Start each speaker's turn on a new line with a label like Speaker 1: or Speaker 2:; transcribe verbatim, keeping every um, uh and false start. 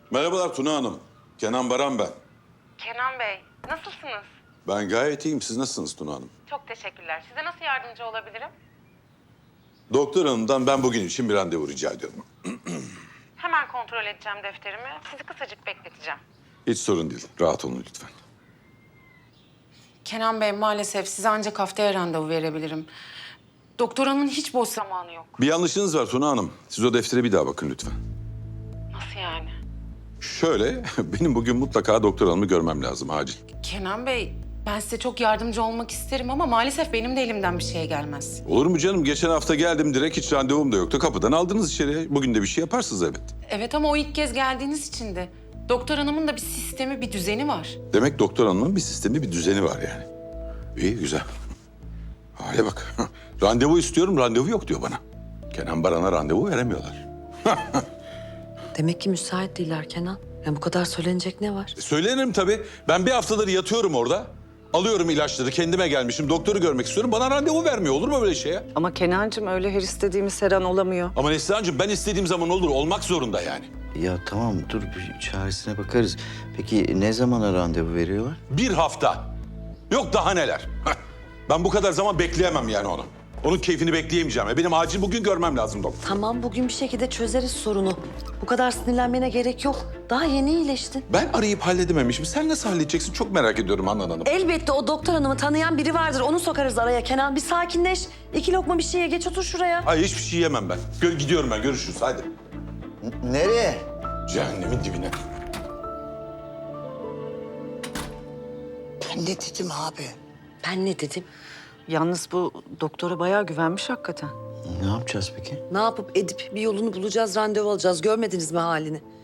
Speaker 1: Merhabalar Tuna Hanım. Kenan Baran ben.
Speaker 2: Kenan Bey, nasılsınız?
Speaker 1: Ben gayet iyiyim. Siz nasılsınız Tuna Hanım?
Speaker 2: Çok teşekkürler. Size nasıl yardımcı olabilirim?
Speaker 1: Doktor hanımdan ben bugün için bir randevu rica ediyorum.
Speaker 2: Hemen kontrol edeceğim defterimi. Sizi kısacık bekleteceğim.
Speaker 1: Hiç sorun değil. Rahat olun lütfen.
Speaker 2: Kenan Bey, maalesef size ancak haftaya randevu verebilirim. Doktor hanımın hiç boş zamanı yok.
Speaker 1: Bir yanlışınız var Tuna Hanım. Siz o deftere bir daha bakın lütfen.
Speaker 2: Nasıl yani?
Speaker 1: Şöyle, benim bugün mutlaka doktor hanımı görmem lazım acil.
Speaker 2: Kenan Bey, ben size çok yardımcı olmak isterim ama maalesef benim de elimden bir şey gelmez.
Speaker 1: Olur mu canım? Geçen hafta geldim direkt hiç randevum da yoktu. Kapıdan aldınız içeri. Bugün de bir şey yaparsınız evet.
Speaker 2: Evet ama o ilk kez geldiğiniz için de. Doktor hanımın da bir sistemi, bir düzeni var.
Speaker 1: Demek doktor hanımın bir sistemi, bir düzeni var yani. İyi, güzel. Hale bak. Randevu istiyorum, randevu yok diyor bana. Kenan Baran'a randevu veremiyorlar.
Speaker 3: Demek ki müsait değiller Kenan. Yani bu kadar söylenecek ne var?
Speaker 1: E, Söylenirim tabii. Ben bir haftadır yatıyorum orada. Alıyorum ilaçları, kendime gelmişim. Doktoru görmek istiyorum. Bana randevu vermiyor. Olur mu böyle şey ya?
Speaker 4: Ama Kenancığım öyle her istediğimiz her an olamıyor.
Speaker 1: Ama Neslihan'cığım ben istediğim zaman olur. Olmak zorunda yani.
Speaker 5: Ya tamam dur bir çaresine bakarız. Peki ne zamana randevu veriyorlar?
Speaker 1: Bir hafta. Yok daha neler. Heh. Ben bu kadar zaman bekleyemem yani onu. Onun keyfini bekleyemeyeceğim. Ya benim acil bugün görmem lazım doktor.
Speaker 3: Tamam bugün bir şekilde çözeriz sorunu. Bu kadar sinirlenmene gerek yok. Daha yeni iyileştin.
Speaker 1: Ben arayıp halledememişim. Sen nasıl halledeceksin? Çok merak ediyorum Handan Hanım.
Speaker 3: Elbette o doktor hanımı tanıyan biri vardır. Onu sokarız araya Kenan. Bir sakinleş. İki lokma bir şey ye. Geç otur şuraya.
Speaker 1: Ay hiçbir şey yemem ben. Gö- gidiyorum ben. Görüşürüz. Hadi.
Speaker 5: Nereye?
Speaker 1: Cehennemin dibine.
Speaker 5: Ben ne dedim abi?
Speaker 3: Ben ne dedim?
Speaker 4: Yalnız bu doktora bayağı güvenmiş hakikaten.
Speaker 5: Ne yapacağız peki?
Speaker 3: Ne yapıp edip bir yolunu bulacağız, randevu alacağız. Görmediniz mi halini?